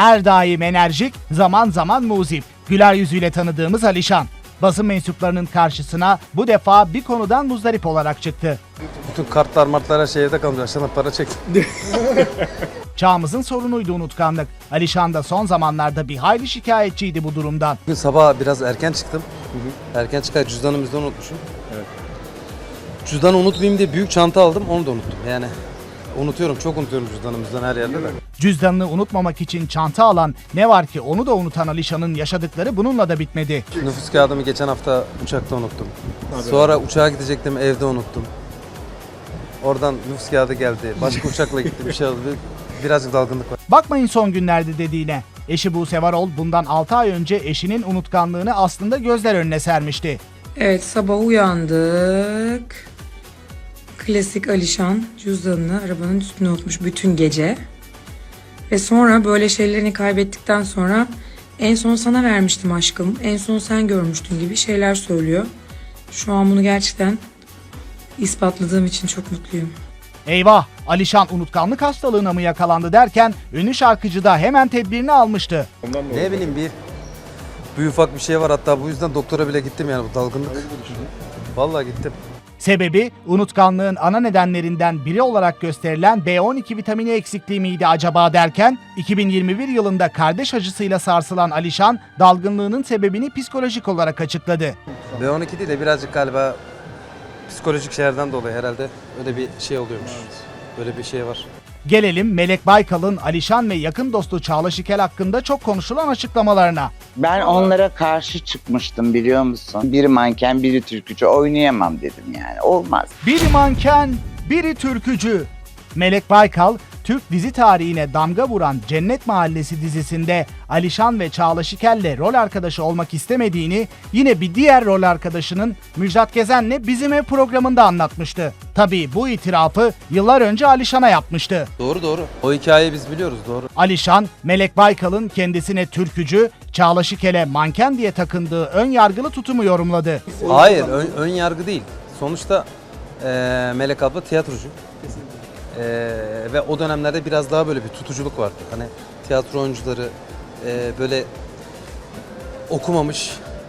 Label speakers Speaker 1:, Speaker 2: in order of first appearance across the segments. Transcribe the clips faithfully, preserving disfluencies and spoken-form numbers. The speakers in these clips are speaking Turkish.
Speaker 1: Her daim enerjik, zaman zaman muzip. Güler yüzüyle tanıdığımız Alişan. Basın mensuplarının karşısına bu defa bir konudan muzdarip olarak çıktı.
Speaker 2: Bütün kartlar martlar her şey evde kalmış. Aşağıdan para çek.
Speaker 1: Çağımızın sorunuydu unutkanlık. Alişan da son zamanlarda bir hayli şikayetçiydi bu durumdan.
Speaker 2: Bugün sabah biraz erken çıktım. Hı hı. Erken çıkar cüzdanımı bizden unutmuşum. Evet. Cüzdanı unutmayayım diye büyük çanta aldım, onu da unuttum. Yani unutuyorum, çok unutuyorum cüzdanımızdan her yerde de.
Speaker 1: Cüzdanını unutmamak için çanta alan, ne var ki onu da unutan Alişan'ın yaşadıkları bununla da bitmedi.
Speaker 2: Nüfus kağıdımı geçen hafta uçakta unuttum. Abi. Sonra uçağa gidecektim, evde unuttum. Oradan nüfus kağıdı geldi. Başka uçakla gittim, bir şey oldu. Birazcık dalgınlık var.
Speaker 1: Bakmayın son günlerde dediğine. Eşi Buse Varol bundan altı ay önce eşinin unutkanlığını aslında gözler önüne sermişti.
Speaker 3: Evet, sabah uyandık. Klasik Alişan cüzdanını arabanın üstüne unutmuş bütün gece. Ve sonra böyle şeylerini kaybettikten sonra en son sana vermiştim aşkım, en son sen görmüştün gibi şeyler söylüyor. Şu an bunu gerçekten ispatladığım için çok mutluyum.
Speaker 1: Eyvah! Alişan unutkanlık hastalığına mı yakalandı derken ünlü şarkıcı da hemen tedbirini almıştı.
Speaker 2: Ne bileyim bir, bir ufak bir şey var, hatta bu yüzden doktora bile gittim yani bu dalgınlık. Vallahi gittim.
Speaker 1: Sebebi unutkanlığın ana nedenlerinden biri olarak gösterilen B on iki vitamini eksikliği miydi acaba derken iki bin yirmi bir yılında kardeş acısıyla sarsılan Alişan dalgınlığının sebebini psikolojik olarak açıkladı.
Speaker 2: B on iki değil de birazcık galiba psikolojik şeylerden dolayı herhalde öyle bir şey oluyormuş. Böyle bir şey var.
Speaker 1: Gelelim Melek Baykal'ın Alişan ve yakın dostu Çağla Şikel hakkında çok konuşulan açıklamalarına.
Speaker 4: Ben onlara karşı çıkmıştım biliyor musun? Biri manken, biri türkücü, oynayamam dedim yani. Olmaz.
Speaker 1: Biri manken, biri türkücü. Melek Baykal, Türk dizi tarihine damga vuran Cennet Mahallesi dizisinde Alişan ve Çağla Şikel'le rol arkadaşı olmak istemediğini yine bir diğer rol arkadaşının Müjdat Gezen'le Bizim Ev programında anlatmıştı. Tabii bu itirafı yıllar önce Alişan'a yapmıştı.
Speaker 2: Doğru doğru. O hikayeyi biz biliyoruz, doğru.
Speaker 1: Alişan, Melek Baykal'ın kendisine türkücü, Çağla Şikel'e manken diye takındığı ön yargılı tutumu yorumladı.
Speaker 2: Hayır, ön, ön yargı değil. Sonuçta e, Melek abla tiyatrocu. E, ve o dönemlerde biraz daha böyle bir tutuculuk vardı. Hani tiyatro oyuncuları e, böyle okumamış,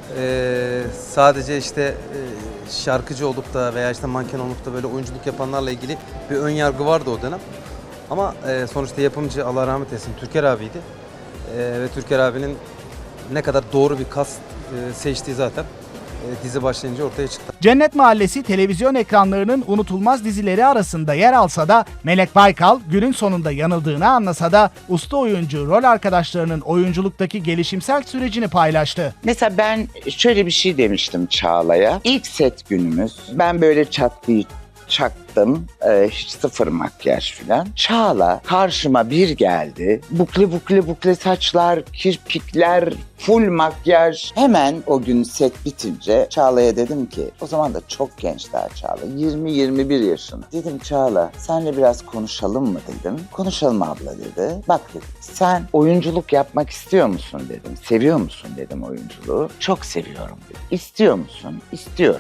Speaker 2: e, sadece işte e, şarkıcı olup da veya işte manken olup da böyle oyunculuk yapanlarla ilgili bir ön yargı vardı o dönem. Ama e, sonuçta yapımcı, Allah rahmet eylesin, Türker abiydi. E, ve Türker abinin ne kadar doğru bir kast e, seçtiği zaten e, dizi başlayınca ortaya çıktı.
Speaker 1: Cennet Mahallesi televizyon ekranlarının unutulmaz dizileri arasında yer alsa da Melek Baykal günün sonunda yanıldığını anlasa da usta oyuncu rol arkadaşlarının oyunculuktaki gelişimsel sürecini paylaştı.
Speaker 4: Mesela ben şöyle bir şey demiştim Çağla'ya. İlk set günümüz, ben böyle çatlıyı çaktım, ee, hiç sıfır makyaj filan. Çağla karşıma bir geldi. Bukle bukle bukle saçlar, kirpikler, full makyaj. Hemen o gün set bitince Çağla'ya dedim ki, o zaman da çok genç daha Çağla, yirmi yirmi bir yaşında. Dedim Çağla, senle biraz konuşalım mı dedim. Konuşalım abla dedi. Bak dedim, sen oyunculuk yapmak istiyor musun dedim. Seviyor musun dedim oyunculuğu. Çok seviyorum dedim. İstiyor musun? İstiyorum.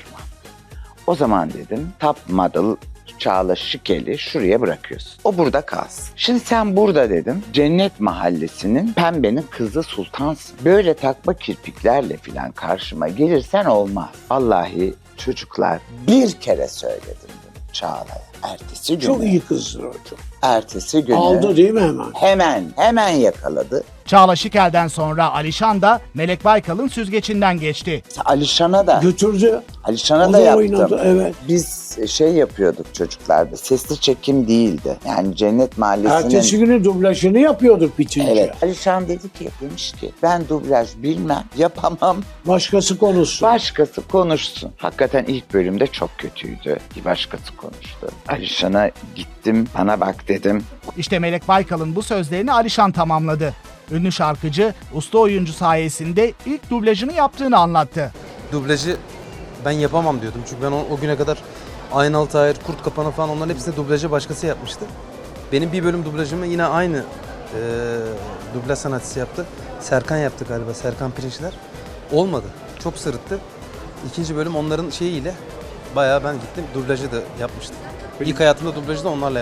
Speaker 4: O zaman dedim top model Çağla Şikel'i şuraya bırakıyorsun. O burada kalsın. Şimdi sen burada dedim Cennet Mahallesi'nin pembenin kızı sultansın. Böyle takma kirpiklerle filan karşıma gelirsen olmaz. Vallahi çocuklar bir kere söyledim bunu Çağla'ya. Ertesi günü.
Speaker 5: Çok iyi kızdır o çok.
Speaker 4: Ertesi günü.
Speaker 5: Aldı değil mi hemen?
Speaker 4: Hemen, hemen yakaladı.
Speaker 1: Çağla Şikel'den sonra Alişan da Melek Baykal'ın süzgecinden geçti.
Speaker 4: Alişan'a da.
Speaker 5: Götürdü.
Speaker 4: Alişan'a
Speaker 5: O
Speaker 4: da
Speaker 5: da
Speaker 4: yaptım.
Speaker 5: oynadı, evet.
Speaker 4: Biz şey yapıyorduk çocuklarda, sesli çekim değildi. Yani Cennet Mahallesi'nin...
Speaker 5: Ertesi günü dublajını yapıyorduk bitince.
Speaker 4: Evet. Alişan dedi ki, demiş ki ben dublaj bilmem, yapamam.
Speaker 5: Başkası konuşsun.
Speaker 4: Başkası konuşsun. Hakikaten ilk bölümde çok kötüydü. Bir başkası konuştu. Alişan'a gittim, bana bak dedim.
Speaker 1: İşte Melek Baykal'ın bu sözlerini Alişan tamamladı. Ünlü şarkıcı, usta oyuncu sayesinde ilk dublajını yaptığını anlattı.
Speaker 2: Dublajı ben yapamam diyordum çünkü ben o, o güne kadar Aynalı Tahir, Kurt Kapanı falan onların hepsinde dublajı başkası yapmıştı. Benim bir bölüm dublajımı yine aynı e, dublaj sanatçısı yaptı. Serkan yaptı galiba, Serkan Pirinçler. Olmadı, çok sırıttı. İkinci bölüm onların şeyiyle bayağı ben gittim dublajı da yapmıştım. İlk hayatımda dublajı da onlarla yapmıştım.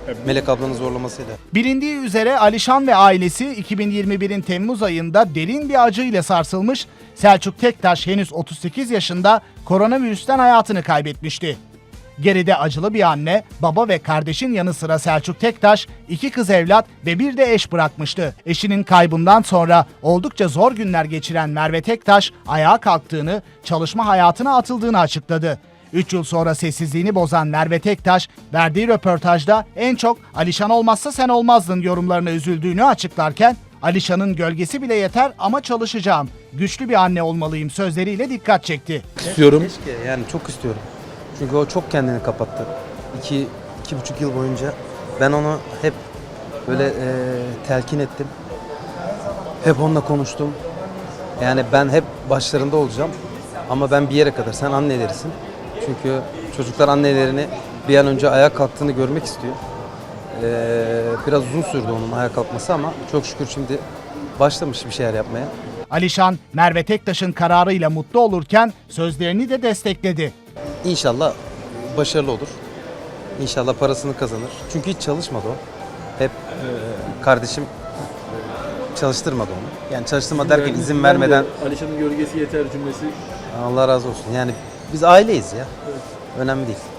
Speaker 2: Melek ablanın zorlamasıyla.
Speaker 1: Bilindiği üzere Alişan ve ailesi iki bin yirmi birin Temmuz ayında derin bir acı ile sarsılmış, Selçuk Tektaş henüz otuz sekiz yaşında koronavirüsten hayatını kaybetmişti. Geride acılı bir anne, baba ve kardeşin yanı sıra Selçuk Tektaş iki kız evlat ve bir de eş bırakmıştı. Eşinin kaybından sonra oldukça zor günler geçiren Merve Tektaş ayağa kalktığını, çalışma hayatına atıldığını açıkladı. üç yıl sonra sessizliğini bozan Merve Tektaş, verdiği röportajda en çok "Alişan olmazsa sen olmazdın" yorumlarına üzüldüğünü açıklarken, "Alişan'ın gölgesi bile yeter ama çalışacağım, güçlü bir anne olmalıyım" sözleriyle dikkat çekti.
Speaker 6: İstiyorum.
Speaker 2: Keşke, yani çok istiyorum. Çünkü o çok kendini kapattı. İki, iki buçuk yıl boyunca ben onu hep böyle e, telkin ettim. Hep onunla konuştum. Yani ben hep başlarında olacağım. Ama ben bir yere kadar, sen annelerisin. Çünkü çocuklar annelerini bir an önce ayağa kalktığını görmek istiyor. Ee, biraz uzun sürdü onun ayağa kalkması ama çok şükür şimdi başlamış bir şeyler yapmaya.
Speaker 1: Alişan, Merve Tektaş'ın kararıyla mutlu olurken sözlerini de destekledi.
Speaker 2: İnşallah başarılı olur. İnşallah parasını kazanır. Çünkü hiç çalışmadı o. Hep e, kardeşim çalıştırmadı onu. Yani çalıştırma derken izin vermeden.
Speaker 6: Alişan'ın gölgesi yeter cümlesi.
Speaker 2: Allah razı olsun. Yani biz aileyiz ya. Önemli değil.